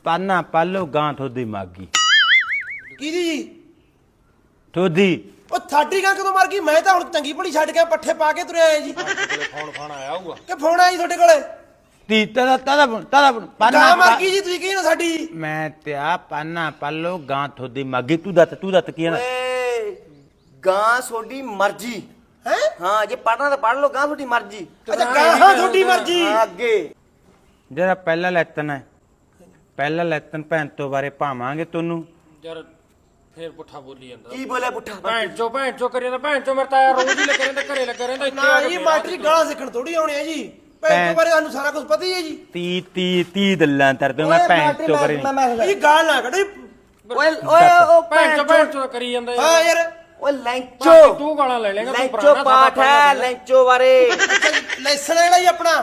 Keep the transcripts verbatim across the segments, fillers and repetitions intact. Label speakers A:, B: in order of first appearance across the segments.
A: ਪਾਨਾ ਪਾਲੋ ਗਾਂ ਥੋਦੀ ਮਾਗੀ
B: ਕਿਹਦੀ ਜੀ
A: ਥੋਦੀ
B: ਉਹ ਸਾਡੀ ਗਾਂ ਕਦੋਂ ਮਰ ਗਈ? ਮੈਂ ਤਾਂ ਹੁਣ ਚੰਗੀ ਭਲੀ ਛੱਡ ਕੇ ਪੱਠੇ ਪਾ ਕੇ ਤੁਰਿਆ ਆਇਆ ਜੀ।
C: ਫੋਨ ਫਾਨ ਆਇਆ ਹੋਊਗਾ
B: ਕਿ ਫੋਨ ਆਇਆ ਜੀ ਤੁਹਾਡੇ ਕੋਲੇ?
A: ਤੀ ਤਦਾ ਤਦਾ ਤਦਾ
B: ਗਾਂ
A: ਪਾਨਾ
B: ਮਰ ਗਈ ਜੀ, ਤੁਸੀਂ ਕਹੀ ਨਾ ਸਾਡੀ।
A: ਮੈਂ ਤੇ ਆ ਪਾਨਾ ਪਾਲੋ ਗਾਂ ਥੋਦੀ ਮਾਗੀ ਤੂੰ ਦੱਤ ਤੂੰ ਦੱਤ ਕੀ ਹੈ
D: ਓਏ ਗਾਂ ਤੁਹਾਡੀ ਮਰਜ਼ੀ
B: ਹੈ
D: ਹਾਂ, ਜੇ ਪੜਨਾ ਤਾਂ ਪੜ ਲਓ, ਗਾਂ ਤੁਹਾਡੀ ਮਰਜ਼ੀ।
B: ਅੱਛਾ ਗਾਂ ਹਾਂ ਤੁਹਾਡੀ ਮਰਜ਼ੀ।
D: ਹਾਂ, ਅੱਗੇ
A: ਜਿਹੜਾ ਪਹਿਲਾ ਲੈਤਨ ਹੈ ਪਹਿਲਾ ਲੈਤਨ ਭੈਣ ਤੋਂ ਬਾਰੇ ਪਾਵਾਂਗੇ ਤੈਨੂੰ
C: ਯਾਰ ਫੇਰ ਪੁੱਠਾ ਬੋਲੀ ਜਾਂਦਾ
D: ਕੀ ਬੋਲਿਆ ਪੁੱਠਾ?
C: ਭੈਣ ਚੋ ਭੈਣ ਚੋ ਕਰੀ ਜਾਂਦਾ ਭੈਣ ਚੋ ਮੇਰੇ ਤਾਂ ਯਾਰ ਰੋਜ਼ ਹੀ ਲੱਗੇ ਰਹਿੰਦਾ ਘਰੇ ਲੱਗਾ ਰਹਿੰਦਾ ਇੱਥੇ
B: ਨਾ ਜੀ ਮਾਸਟਰੀ ਗਾਲਾਂ ਸਿੱਖਣ ਥੋੜੀ ਆਉਣੇ ਆ ਜੀ। ਭੈਣ ਤੋਂ ਬਾਰੇ ਸਾਨੂੰ ਸਾਰਾ ਕੁਝ ਪਤਾ ਹੀ ਹੈ ਜੀ।
A: ਤੀ ਤੀ ਤੀ ਦੱਲਾਂ ਤਰ ਤੂੰ ਮੈਂ ਭੈਣ ਤੋਂ ਬਾਰੇ
B: ਇਹ ਗਾਲ ਨਾ ਕੱਢੀ।
D: ਓਏ ਓਏ ਉਹ
C: ਭੈਣ ਚੋ ਭੈਣ ਚੋ ਕਰੀ ਜਾਂਦਾ
B: ਹਾਂ
C: ਯਾਰ
B: ਯਾਰ
D: ਓਏ ਲੈਂਚੋ
C: ਤੂੰ ਗਾਲਾਂ ਲੈ ਲੇਗਾ ਤੂੰ
D: ਲੈਂਚੋ
C: ਪੁਰਾਣਾ
D: ਪਾਠ ਹੈ, ਲੈਂਚੋ ਬਾਰੇ
B: ਲੈਸਨ ਵਾਲਾ ਹੀ ਆਪਣਾ।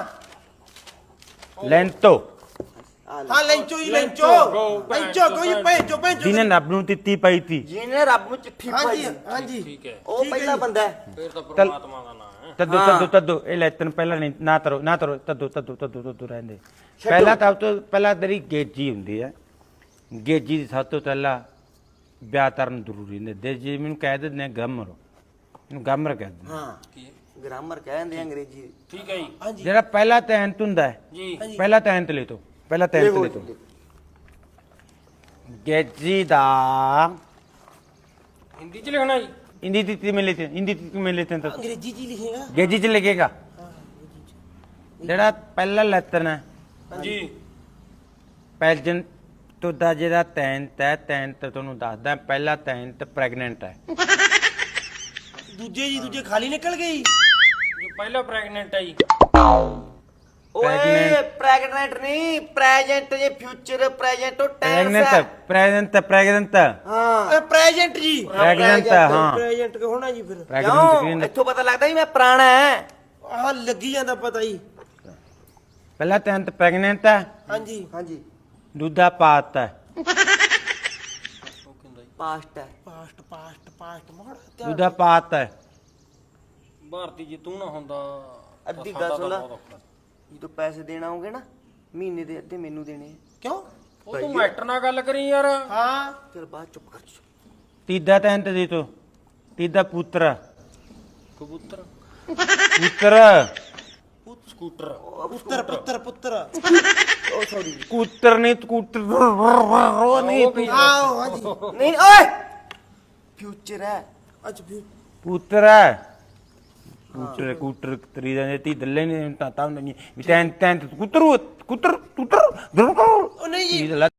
A: ਲੈਂਤੋ
B: ਹਾਂ ਲੈਂਚੋ ਹੀ ਲੈਂਚੋ ਲੈਂਚੋ ਕੋਈ ਭੈਂਚੋ ਭੈਂਚੋ।
A: ਜਿਹਨੇ ਰੱਬ ਨੂੰ ਦਿੱਤੀ ਪਈ ਤੀ
D: ਜਿਹਨੇ ਰੱਬ ਨੂੰ ਚਿੱਠੀ
B: ਹਾਂਜੀ
D: ਪਾਈ
B: ਹਾਂਜੀ
C: ਠੀਕ ਹੈ
D: ਉਹ ਪਹਿਲਾ ਬੰਦਾ ਹੈ।
C: ਫੇਰ ਤਾਂ ਪਰਮਾਤਮਾ ਦਾ ਨਾਮ ਹੈ।
A: ਤਦੋ ਤਦੋ ਤਦੋ ਇਹ ਲੈਤਨ ਪਹਿਲਾਂ ਨਹੀਂ ਨਾ ਤਰੋ ਨਾ ਤਰੋ ਤਦੋ ਤਦੋ ਤਦੋ ਤਦੋ ਰਹਿੰਦੇ ਪਹਿਲਾਂ ਤਾਂ ਤੋਂ ਪਹਿਲਾਂ ਤੇਰੀ ਗੇਜੀ ਹੁੰਦੀ ਹੈ। ਗੇਜੀ ਦੀ ਸਭ ਤੋਂ ਪਹਿਲਾਂ ਵਿਆਹ ਕਰਨ ਜ਼ਰੂਰੀ ਹੁੰਦੇ ਦੇ ਜੀ ਮੈਨੂੰ ਕਹਿ ਦਿੰਦੇ ਨੇ ਗਮਰ ਇਹਨੂੰ ਗਮਰ ਕਹਿ ਦਿੰਦੇ
D: ਹਾਂ,
C: ਕੀ
D: ਗ੍ਰਾਮਰ ਕਹਿੰਦੇ ਅੰਗਰੇਜ਼ੀ।
C: ਠੀਕ ਹੈ ਜੀ
B: ਹਾਂਜੀ
A: ਜਿਹੜਾ ਪਹਿਲਾ ਤੈਨਤ ਹੁੰਦਾ ਹੈ
C: ਜੀ
A: ਪਹਿਲਾ ਤੈਨਤ ਲੈ ਤੋ ਪਹਿਲਾ ਤੈਨਤ ਲੈ ਤੋ ਗੇਜੀ ਦਾ
C: ਹਿੰਦੀ ਚ ਲਿਖਣਾ ਜੀ
A: हिंदी तिथि में लेते हिंदी तिथि में लेते हैं तो
B: ਅੰਗਰੇਜ਼ੀ ਜੀ ਲਿਖੇਗਾ।
A: गेजी च लिखेगा ਜਿਹੜਾ ਪਹਿਲਾ ਲੈਤਨ ਹੈ
C: ਜੀ
A: ਪੈਲਜਨ ਤੋਂ ਦਾ ਜਿਹੜਾ ਤੈਨਤ ਹੈ ਤੈਨਤ ਤੁਹਾਨੂੰ ਦੱਸਦਾ ਪਹਿਲਾ ਤੈਨਤ ਪ੍ਰੈਗਨੈਂਟ ਹੈ
B: ਦੂਜੇ ਜੀ ਦੂਜੇ ਖਾਲੀ ਨਿਕਲ ਗਈ।
C: ਜੋ ਪਹਿਲਾ ਪ੍ਰੈਗਨੈਂਟ ਹੈ ਜੀ
D: ਓਏ
A: Pregnant।
D: ਪ੍ਰੈਗਨੈਂਟ ਨਹੀਂ, ਪ੍ਰੈਜੈਂਟ ਜੇ ਫਿਊਚਰ ਪ੍ਰੈਜੈਂਟ ਉਹ ਟੈਂਸ
A: ਪ੍ਰੈਗਨੈਂਟ
D: ਹੈ।
A: ਪ੍ਰੈਗਨੈਂਟ ਪ੍ਰੈਗਨੈਂਟ
D: ਹਾਂ
B: ਪ੍ਰੈਜੈਂਟ ਜੀ
A: ਪ੍ਰੈਗਨੈਂਟ ਹਾਂ
B: ਪ੍ਰੈਜੈਂਟ ਕਿ ਹੋਣਾ ਜੀ ਫਿਰ।
A: ਪ੍ਰੈਗਨੈਂਟ
D: ਕਿਉਂ ਇੱਥੋਂ ਪਤਾ ਲੱਗਦਾ ਵੀ ਮੈਂ ਪੁਰਾਣਾ ਹੈ।
B: ਆਹ ਲੱਗੀ ਜਾਂਦਾ ਪਤਾ ਹੀ।
A: ਪਹਿਲਾ ਤੈਨਤ ਪ੍ਰੈਗਨੈਂਟ ਹੈ
B: ਹਾਂਜੀ
D: ਹਾਂਜੀ
A: ਦੂਜਾ ਪਾਤ ਹੈ
C: ਉਹ ਕਹਿੰਦਾ ਜੀ
D: ਪਾਸਟ ਹੈ।
B: ਪਾਸਟ ਪਾਸਟ ਪਾਸਟ ਮੋੜ
A: ਦੂਜਾ ਪਾਤ ਹੈ
C: ਭਾਰਤੀ ਜੀ ਤੂੰ ਨਾ ਹੁੰਦਾ
D: ਅੱਧੀ
C: ਤਾਂ
D: ਗੱਲ
C: ਸਾਡਾ
D: ਸੁਣ ਲੈ।
C: ਤਾਂ ਬਹੁਤ ਔਖਾ।
D: ਜਦੋਂ ਪੈਸੇ ਦੇਣ ਆਉਂਗੇ ਨਾ ਮਹੀਨੇ ਦੇ ਅੱਧੇ ਮੈਨੂੰ ਦੇਣੇ ਆ।
B: ਕਿਉਂ?
C: ਉਹ ਤੂੰ ਮੈਟਰ ਨਾਲ ਗੱਲ ਕਰੀ ਯਾਰ
B: ਹਾਂ
D: ਚਲ ਬਾਅਦ ਚੁੱਪ ਕਰ ਜਾ।
A: ਤੀਜਾ ਤੈਨਤ ਦੇ ਤੋ ਤੀਜਾ ਪੁੱਤਰ
C: ਕਬੂਤਰ
A: ਪੁੱਤਰ
C: ਸਕੂਟਰ
B: ਪੁੱਤਰ ਪੁੱਤਰ ਪੁੱਤਰ।
D: ਉਹ ਸੌਰੀ
A: ਕੁੱਤਰ ਨਹੀਂ ਕੁੱਤਰ ਉਹ ਨਹੀਂ
C: ਉਹ ਕੀ
B: ਆਹ ਹਾਂਜੀ
D: ਨਹੀਂ ਓਏ ਫਿਊਚਰ ਹੈ।
B: ਅੱਛਾ ਫਿਰ
A: ਪੁੱਤਰ ਹੈ ਕੁੱਤਰ ਕੁੱਤਰ ਤਰੀ ਦੇ ਤੀ ਦੱਲੇ ਨਹੀਂ ਤਾਂ ਤਾਂ ਨਹੀਂ ਵੀ ਤੈਨ ਤੈਨ ਕੁੱਤਰ ਕੁੱਤਰ ਕੁੱਤਰ
B: ਉਹ ਨਹੀਂ ਜੀ
A: ਤੀ